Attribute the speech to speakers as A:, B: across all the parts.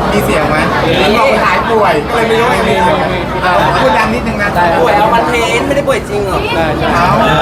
A: มีเสียงไหมมันบอกหายป่วยก็เลยไม่รู้ว่ามีพูดดังนิดนึงนะ
B: ป่วยเอามันเทนไม่ได้ป่วยจริงหรอ
A: เอา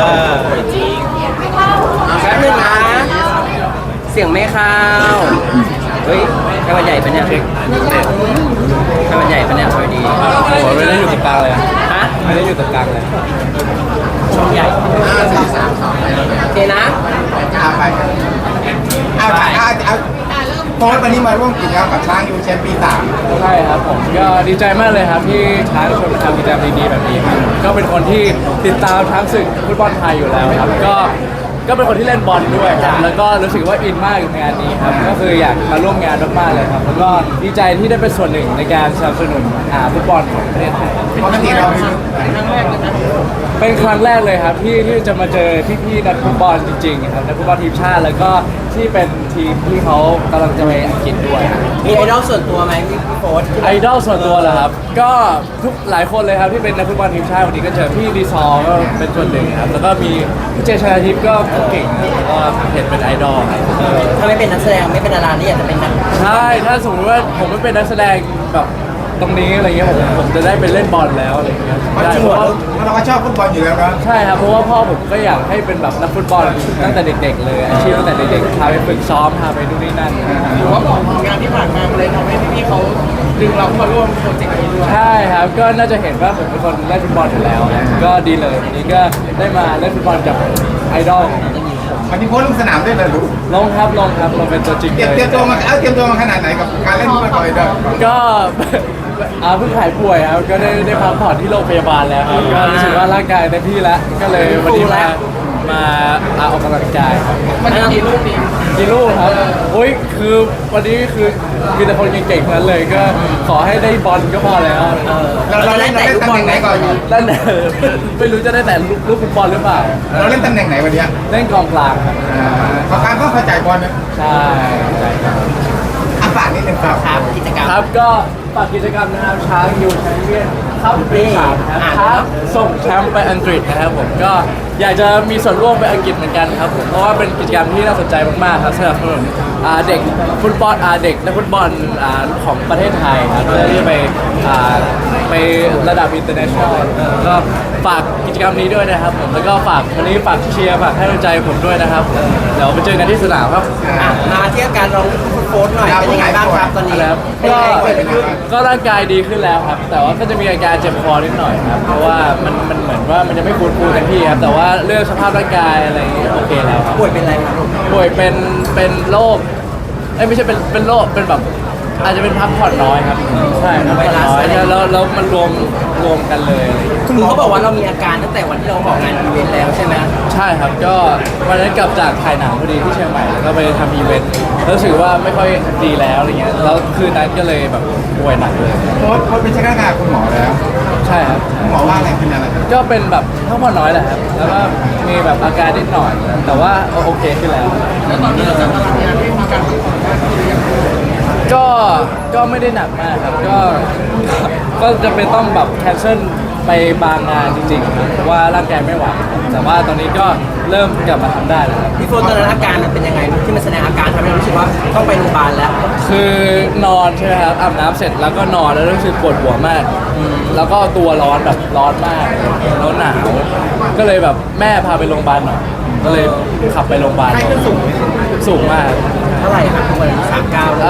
B: แป๊บนึงนะเสียงไม่เข้าวเฮ้ยไข้หวัดใหญ่ปะเนี่ยไข้หวัดใหญ่ปะเนี่ยสวัสดี
C: โอ้ไม่ได้อยู่ตรงกลางเลย
B: ฮะ
C: ไม่ได้อยู่ตรงกลางเลย
B: ช่องใหญ่
A: สอง
B: โอเคนะ
A: เอาไปเอาโพสต์วันนี้มาร่วมกิจกรรมกับช้างยูแชมป์ปี 3
C: ใช่ครับผมก็ดีใจมากเลยครับที่ช้างชวนมาทำกิจกรรมดีๆแบบนี้ครับก็เป็นคนที่ติดตามทั้งศึกฟุตบอลไทยอยู่แล้วครับก็เป็นคนที่เล่นบอลด้วยครับแล้วก็รู้สึกว่าอินมากกับงานนี้ครับก็คืออยากมาร่วมงานมากๆเลยครับแล้วก็ดีใจที่ได้เป็นส่วนหนึ่งในการสนับสนุนฟุตบอลของประเทศไทย
A: ปกติเรา
C: เป็นครั้งแรกเลยครับที่จะมาเจอพี่ๆนักฟุตบอลจริงๆครับนักฟุตบอลทีมชาติแล้วก็ที่เป็นทีมที่เขากำลังจะไปอังกฤษด้วย
B: มีไอดอลส่วนตัวไหมพี่โฟร์
C: ไอดอลส่วนตัวเหรอครับก็ทุกหลายคนเลยครับที่เป็นนักฟุตบอลทีมชาติวันนี้ก็เจอพี่ดีซอร์ก็เป็นส่วนหนึ่งครับแล้วก็มีพี่เจชนาทิพย์ก็เก่งครับก็เห็นเป็นไอดอลครับ
B: ถ้าไม่เป็นนักแสดงไม่เป็นดารานี่อยากจะเป็นนัก
C: ใช่ถ้าสมมติว่าผมไม่เป็นนักแสดงแบบตรงนี้อะไรเงี้ยผมจะได้ไปเล่นบอลแล้วอะไรเงี้ย
A: เพราะ
C: ได้
A: จริง
C: เพราะว่า
A: เราก็ชอบฟุตบอลอยู่แล้วนะ
C: ใช่ครับเพราะว่าพ่อผมก็อยากให้เป็นแบบนักฟุตบอลตั้งแต่เด็กๆเลยอาชีพตั้งแต่เด็กๆพาไปฝึกซ้อมพาไปนู่นนี่นั่น
B: หรือว่าบอกงานที่ผ่านมาเลยทำให้พี่ๆเขาดึงเราเข้ามาร่วมโปรเจกต์นี้ด้วย
C: ใช่ครับก็น่าจะเห็นว่าผมเป็นคนเล่นฟุตบอลอยู่แล้วนะก็ดีเลยวันนี้ก็ได้มาเล่นฟุตบอลกับไอดอลของ
A: วันนี้โพสต์ลงสนามด้วยเลยลูก
C: ลงครับเราเป็นตัวจริง
A: เตรี
C: เลย
A: ยมตัวมาเตรียมตัวมาขนาดไหนกับการเล่นฟุตบอลเลยเด้อ
C: ก็ เพิ่งหายป่วยครับก็ได้พักผ่อนที่โรงพยาบาลแล้วครับก็รู้สึกว่าร่างกายเต็มที่แล้วก็เลยวันนี้มาออกกำลังกายครับ
B: มันกี่ลูกดี
C: กี่ลูกครับโอ้ยคือวันนี้คือมีแต่คนเก่งๆทั้งนั้นเลยก็ขอให้ได้บอลก็พอแล้ว
A: เราเล่นตำแหน่งไหนก่อน
C: นั่นแหละไม่รู้จะได้แต่ลูกฟุตบอลหรือเปล่า
A: เราเล่นตำแหน่งไหนวันนี้
C: เล่นกองกลางครับ
A: ขอการต้องเข้าใจบอลนะ
C: ใช่ครับ
A: ฝากนิดนึงครับ
B: ครับกิจกรรม
C: ครับก็ฝากกิจกรรมนะครับช้างยูแชมเปี้ยนครับปีสามนะครับส่งแชมป์ไปอังกฤษนะครับผมก็อยากจะมีส่วนร่วมไปอังกฤษเหมือนกันครับผมเพราะว่าเป็นกิจกรรมที่น่าสนใจมากๆครับสำหรับเด็กฟุตบอลเด็กนักฟุตบอลของประเทศไทยครับเพื่อที่จะไประดับ international ก็ฝากกิจกรรมนี้ด้วยนะครับผมแล้วก็ฝากวันนี้ฝากเชียร์ฝากให้กำลังใจผมด้วยนะครับเดี๋ยวไปเจอกันที่สนามครับ
B: มาเที่ยวการลองโพสต์หน่อยเป็นยังไงบ้างครับตอนนี้
C: แล้ว
B: เป็นยังไงเกิดอะไรขึ้น
C: ก็ร่างกายดีขึ้นแล้วครับ แต่ว่าก็จะมีอาการเจ็บคอนิดหน่อยครับ เพราะว่ามันเหมือนว่ามันยังไม่ฟูเต็มที่ครับ แต่ว่าเรื่องสภาพร่างกายอะไรอย่างเงี้ยโอเคแล้วครับ
B: ป่วยเป็นอะไรครับ
C: ป่วยเป็นโรคไม่ใช่เป็นโรคเป็นแบบอาจจะเป็นพักผ่อนน้อยครับ ใช่ครับพักผ่อนน้อยแล้วมันรวมกันเลยอะไรอย่างเงี้ย
B: คุณหมอเขาบอกว่าเรามีอาการตั้งแต่วันที่เราออกงานอีเวนต์แล้วใช่ไหม
C: ใช่ครับก็วันนั้นกลับจากถ่ายหนังพอดีที่เชียงใหม่แล้วก็ไปทำอีเวนต์แล้วรู้สึกว่าไม่ค่อยดีแล้วอะไรเงี้ยแล้วคืนนั้นก็เลยแบบป่วยหนักเลย
A: โพสต์เป็นเช็คร่างกายคุณหมอแล้ว
C: ใช่ครับ
A: คุณหมอว่าอะไรเป็นอะไร
C: ก็เป็นแบบพักผ่อนน้อยแหละครับ แล้วก็มีแบบอาการนิดหน่อย แต่ว่าโอเคขึ้นแล้ว
B: แล้วตอนนี้เราจะตารางงานที่มีการฝึกซ้อมมากขึ้นหรือยัง
C: ก็ไม่ได้หนักมากครับ ก็จะเป็นต้องแบบแคนเซิลไปบางงานจริงๆครับเพราะว่าร่างกายไม่ไหว แต่ว่าตอนนี้ก็เริ่มกลับมาทำได้แล้วครับ
B: พี่โฟนตอนนั้นอาการมันเป็นยังไงที่มันแสดงอาการทำให้เรารู้สึกว่าต้องไปโรงพยาบาลแล้ว
C: คือนอนใช่ไหมครับอาบน้ำเสร็จแล้วก็นอนแล้วรู้สึกปวดหัวมากแล้วก็ตัวร้อนแบบร้อนมากแล้วหนาวก็เลยแบบแม่พาไปโรงพยาบาลหน่อยก็เลยขับไปโรงพยาบาลสูงมาก
B: เท่าไหร่ครับทุกวัน39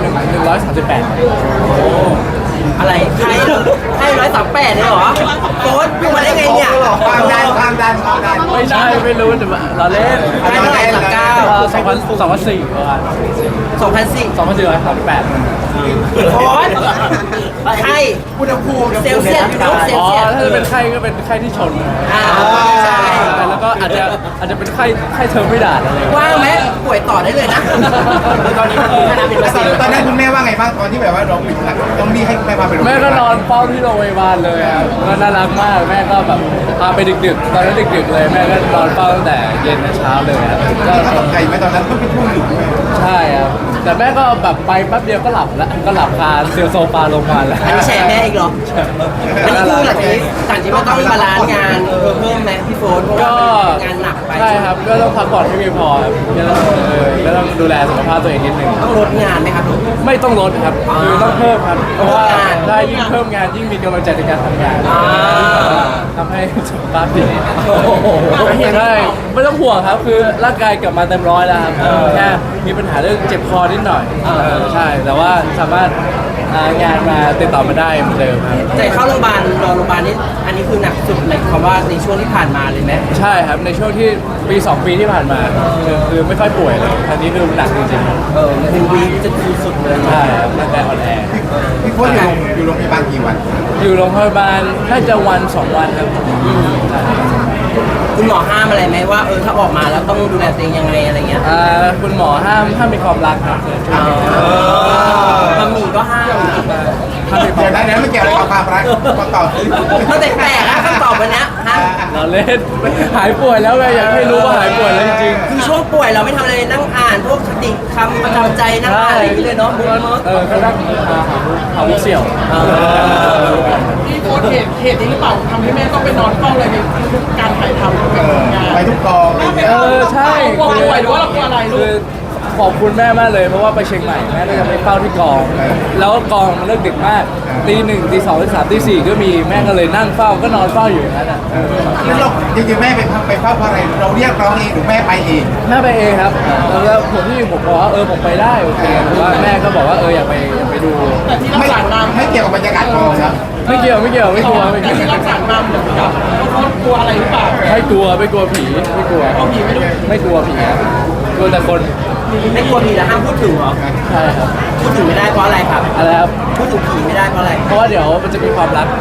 C: 138
B: อะไรใคร138เลยเหรอโฟนพูดมาได้ไงเนี่ย
A: ความดัน
C: ไม่ใช่ไม่รู้แต่ว่าเราเล่น
B: ใครเท่าไหร่39
C: 2004ประมาณ
B: 2004
C: 2438
B: โฟนใคร
A: อุณหภูมิ
B: เซลเซียสอยู่เนอะเซล
C: อ๋อ
B: เซียส
C: ถ้าจะเป็นไข้ก็เป็นไข้ที่ชน
B: ใช่
C: แล้วก็อาจจะเป็นไข้เทอร์ไม่ดาดอะไร
B: ว่างไหมป่วยต่อได้เลยนะตอนนี้มันขนาดเป็นประสิทธิ์
A: ตอนนั้นคุณแม่ว่าไงบ้างตอนที่แบบว่าเราปิดต้องรีบให้แม่พาไปโรงพยาบาล
C: แม่ก็นอนเฝ้าที่โรงพยาบาลเลยครับก็น่ารักมากแม่ก็แบบพาไปดึกๆตอนนั้นดึกๆเลยแม่ก็นอนเฝ้าตั้งแต่เย็นถึงเช้าเลยครับก็
A: ตกใจไหมตอนนั้นก็เป็นช่วงหยุดด้วย
C: ใช่ครับแต่แม่ก็แบบไปแป๊บเดียวก็หลับแล้วก็หลับคาเซียวโซฟาลงมาแล้ว
B: อันนี้แชร์แม่อีกเหรอ อันนี้คือหลังจากนี้มันต้องบาลานซ์งานเพิ่มไหมพี่โฟนเพราะว่างานหนักไป
C: ใช่ครับก็ต้องพักผ่อนให้เพียงพอครับก็ต้องดูแลสุขภาพตัวเองนิดนึง
B: ต้องลดงานไหมครับ
C: ไม่ต้องลดครับคือต้องเพิ่มครับเพราะว่า
B: เพิ่มงาน
C: ได้ยิ่งเพิ่มงานยิ่งมีกำลังใจในการทำงาน
B: อ่า
C: ทำให้สุขภาพดีใช่ไม่ต้องห่วงครับคือร่างกายกลับมาเต็มร้อยแล้วครับแค่มีปัญหาเรื่องเจ็บคอนิดหน่อยใช่แต่ว่าสามารถงานมาติดต่อมาได้เหมือนเดิมครับ
B: แต่เข้าโรงพยาบาลนอนโรงพยาบาลนี่อันนี้คือหนักสุดเลยคำว่าในช่วงที่ผ่านมาเลยไหม
C: ใช่ครับในช่วงที่ปี 2 ปีที่ผ่านมาคือไม่ค่อยป่วยเลยอันนี้คือหนักจริงๆครับ
B: คือวีคจะสุดๆเลย
C: ใช่ครับร่างกายอ่อนแอ
A: พี่โค้ชอยู่โรงพยาบาลกี่วัน
C: อยู่โรงพยาบาลน่าจะวัน 2 วันครับใช่
B: คุณหมอห้ามอะไรไหมว่าถ้าออกมาแล้วต้องดูแลตัวเองยังไงอะไรเงี้ย
C: คุณหมอห้ามมีความรักครับ
B: บะหมี่ก็ห้าม
C: ห้ามมีควา
A: เดี๋ย
C: ม
A: ว
C: รั
A: นั้
C: ก
A: นไม่เกี่ยวอะไรกับความรักมาต่อสิ
B: มันแปลกๆนะคำตอบวันเนี้ยฮะ
C: เราเล่นหายป่วยแล้วไงอยากให้รู้ว่าหายป่วยแล้วจริงๆ
B: คือช่วงป่วยเราไม่ทำอะไรนั่งอ่านพวกคติคำประจำใจนั่งอ่านอะไรอย่างเงี้ยเลยเนาะบุ๊กเมิร์ก
C: ก็นั่งหามุกเสี่ยว
D: ที่โค้ชเหตุนี้หรือเปล่าทำให้แม่ต้องไปนอนเฝ้าอะไรในทุกการถ่ายทำเป็นงาน
A: ไปทุกกองอะไรอย่างเงี้ย
C: ใช่
D: กลัวป่วยหรือว่าเรากลัวอะไรลู
C: คื
D: ก
C: อขอบคุณแม่มากเลยเพราะว่าไปเชียงใหม่แม่ก็จะไปเฝ้าที่กอง แล้วกองมันเลิกดึกมากตี 1ตี 2ตี 3ตี 4ก็มีแม่ก็เลยนั่งเฝ้าก็นอนเฝ้าอยู่อย่างนั้นอ่ะ
A: แล้วเราจริงๆแม่ไปเฝ้าเพราะอะไรเราเรียกร้องเองหรือแม่ไปเอง
C: แม่ไปเองครับแล้วผมที่ผมบอกว่าผมไปได้โอเคแต่ว่าแม่ก็บอกว่าอยากไปดู
D: แต่ที่รั
A: ไม่
D: กษามา
A: ไม่เกี่ยวกับบรรยากาศกองครับ
C: ไม่เกี่ยวไม่กลัวไม่กลัว
D: แต่ที่รักษามาเหมือนกับโค้ชกลัวอะไรหรือเปล่า
C: ไม่กลัวผีไม่กลัว
D: เอาผีไม่รู้
C: ไม่กลัวผีครับกลัวแต่คน
B: ไม่กลัวผีแล้วห้ามพูดถึงเหรอ
C: ใช่ครับ
B: พูดถึงไม่ได้เพราะอะไรครับ
C: อะไรครับ
B: พูดถึงผีไม่ได้เพราะอะไร
C: เพราะว่าเดี๋ยวมันจะมีความรัก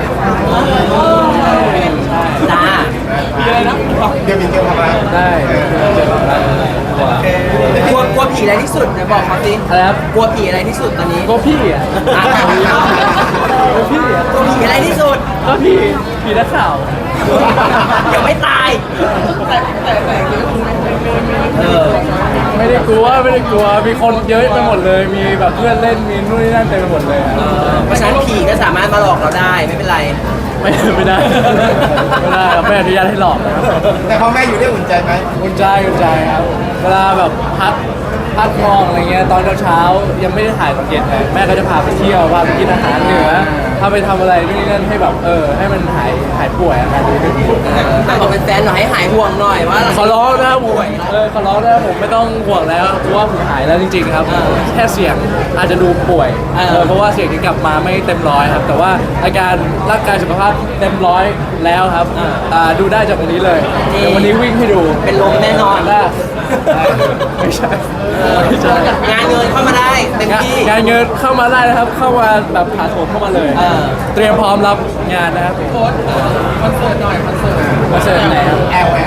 B: จ้า
D: มีอะไรนะ
A: เดี๋ยวมีเกี่ยวกับอะไร
C: ได้เจอความรักกลัว
B: กลัวผีอะไรที่สุดเดี๋ยวบอกเขาสิ
C: อะไรครับ
B: กลัวผีอะไรที่สุดตอนนี้
C: ก็พี่อ่ะ
B: อ่ะ
C: ก็พี่อ่ะ
B: กลัวผีอะไรที่สุด
C: ก็พี่นักข่าว
B: เดี๋ยวไม่ตาย
D: แต่เยอะไม่
C: ไม่ได้กลัวมีคนเยอะไปหมดเลย มีแบบเพื่อนเล่นมีนู่นนี่นั่นเต็มไปหมดเลยอะ
B: เพราะฉะนั้นผีก็สามารถมาหลอกเราได้ไม่เป็นไร
C: ไม่ได้ครับไม่อนุญาตให้หลอกนะครับ
A: แต่พ่อแม่อยู่ได้อุ่นใจไหม
C: อุ่นใจครับเวลาแบบพัดมองอะไรเงี้ยตอนเช้ายังไม่ได้ถ่ายตอนเย็นเลยแม่ก็จะพาไปเที่ยวพาไปกินอาหารเหนือพาไปทำอะไรนู่นนี่นั่นให้แบบให้มันหายป่วยอาการดีขึ้น
B: บอกเป็นแฟนหน่อยให้หายห่วงหน่อยว่า
C: ขอร้องนะครับผมขอร้องนะครับผมไม่ต้องห่วงแล้วเพราะว่าผมหายแล้วจริงๆครับแค่เสียงอาจจะดูป่วยเพราะว่าเสียงที่กลับมาไม่เต็มร้อยครับแต่ว่าอาการร่างกายสุขภาพเต็มร้อยแล้วครับดูได้จากวันนี้เลยเดี๋ยววันนี้วิ่งให้ดู
B: เป็นลมแน่นอน
C: ได้ไม่ใช่ไม่ใช่
B: งานเงินเข้ามาได้เต็มที่
C: งานเงินเข้ามาได้นะครับ เข้ามาแบบผ่าโถมเข้ามาเลย เตรียมพร้อมรับงานนะครับ
D: โค้ชคอนเสิร์ตหน่อยคอนเสิร์ต
C: คอนเสิร์ตไหนครับ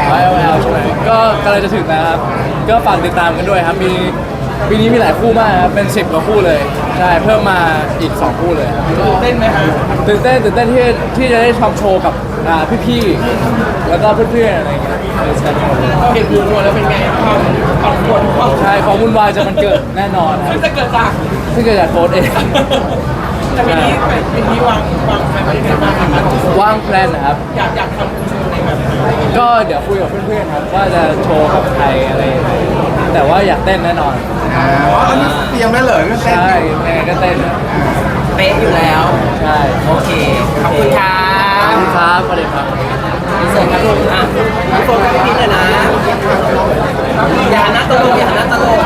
C: LL ใช่ไหมก็กำลังจะถึงนะครับ ก็ฝากติดตามกันด้วยครับ ปีนี้มีหลายคู่มากครับ เป็น 10 กว่าคู่เลย ใช่ เพิ่มมาอีก 2 คู่เลยครับ
D: เต้นไหมคะ
C: ตื่นเต้นที่จะได้ทำโชว์กับพี่ๆ แล้วก็เพื่อนๆ อะไรอย่างเงี้ย
D: เห็นวิวแล้วเป็นไงความปั่นป่วนความ
C: ใช่ของวุ่นวายจะมันเกิดแน่นอนครั
D: ซึ่
C: บ
D: งจะเกิดจาก
C: ซึ่งเกิดจากโค้ดเอง
D: แต่ปีนี้วางแผนไว้ยังไงบ้างครับ
C: ว่างแพลนนะครับ
D: อยากทำโชว์ในแบบไหน
C: ก็เดี๋ยวคุยกับเพื่อนๆครับว่าจะโชว์กับใครอะไรยังไงแต่ว่าอยากเต้นแน่นอน
A: อันนี้เตรียมได้เลยเรื่องเต้น
C: ใช่แม่ก็เต้นนะ
B: เป๊ะอยู่แล้ว
C: ใช่
B: โอเค ขอบคุณครั
C: ขอบบ คุณครับสวัสดีครับ
B: เสิร์ฟครับลุงอ่ะพี่โฟกัสพี่พิษเลยนะ อย่าหันหน้าตลกอย่าหันหน้าตลก